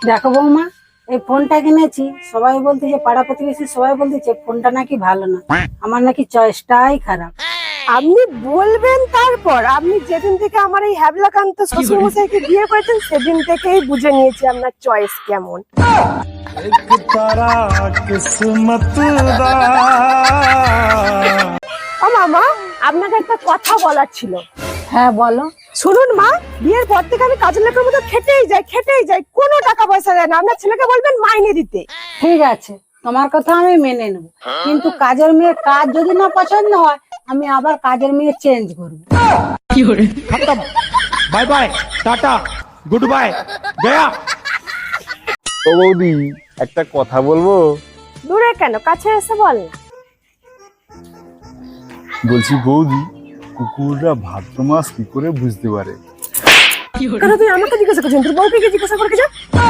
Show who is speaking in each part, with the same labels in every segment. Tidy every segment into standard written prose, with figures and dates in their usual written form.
Speaker 1: দেখো বৌমা, এই ফোনটা কিনেছি, সবাই বলতেছে, পাড়া প্রতিবেশী সবাই বলতেছে ফোনটা নাকি ভালো না, আমার নাকি চয়েসটাই খারাপ।
Speaker 2: আপনি বলবেন তারপর? আপনি যেদিন থেকে আমার এই হ্যাবলাকান্ত শ্বশুরমশাইকে বিয়ে করেছেন সেদিন থেকেই বুঝে নিয়েছি আপনার চয়েস কেমন। ও মামা, আপনাকে একটা কথা বলার ছিল।
Speaker 1: হ্যাঁ বলো।
Speaker 2: শুনুন মা, বিয়ের পর থেকে আমি কাজের লোকের মতো খেটেই যাই, কোনো টাকা পয়সা দেয় না। আপনার ছেলেকে বলবেন মাইনে দিতে।
Speaker 1: ঠিক আছে, তোমার কথা আমি মেনে নেব, কিন্তু কাজের মেয়ের কাজ যদি না পছন্দ হয়, আমি আবার কাজের মেয়ে চেঞ্জ করবো।
Speaker 3: खत्म। Bye bye, tata, good bye, गया।
Speaker 4: ও বৌদি, একটা কথা বলবো?
Speaker 2: দূরে কেন, কাছে এসে বল না।
Speaker 4: বলছি বৌদি, কুকুররা ভাদ্র মাস কি করে বুঝতে পারে?
Speaker 2: কেন তুই আমাকে জিজ্ঞাসা করছিস? তোর বউকে গিয়ে জিজ্ঞাসা করে যা।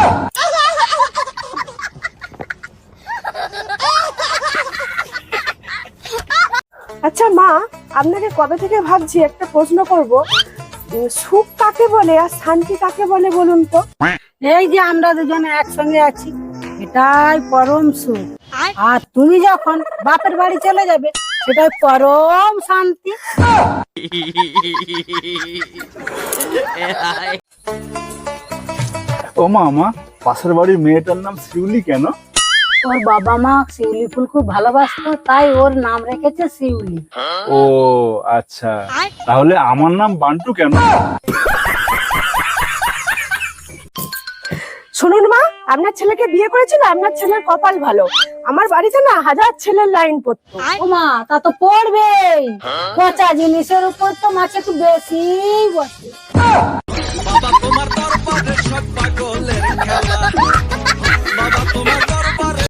Speaker 2: আচ্ছা মা, আপনাকে কবে থেকে ভাবছি একটা প্রশ্ন করব, সুখ কাকে বলে আর শান্তি কাকে বলে বলুন তো?
Speaker 1: এই যে আমরা দুজনে একসঙ্গে আছি, এটাই পরম সুখ। আর তুমি যখন বাপের বাড়ি চলে যাবে, সেটাই পরম শান্তি।
Speaker 4: ও মামা, পাশের বাড়ির মেয়েটার নাম শিউলি কেন?
Speaker 1: ওর বাবা মা শিউলি ফুল খুব ভালোবাসতো, তাই ওর নাম রেখেছে শিউলি।
Speaker 4: ও আচ্ছা, তাহলে আমার নাম বান্টু কেন?
Speaker 2: শুনুন মা, আপনার ছেলেকে বিয়ে করেছিল, আপনার ছেলের কপাল ভালো। আমার বাড়িতে না হাজার ছেলের লাইন পড়তো।
Speaker 1: ও মা, তা তো পড়বেই, পচা জিনিসের উপর তো মাছ একটু বেশি বসে।
Speaker 5: বাবা তোমার দরবারে সব পাগলের খেলা, বাবা তোমার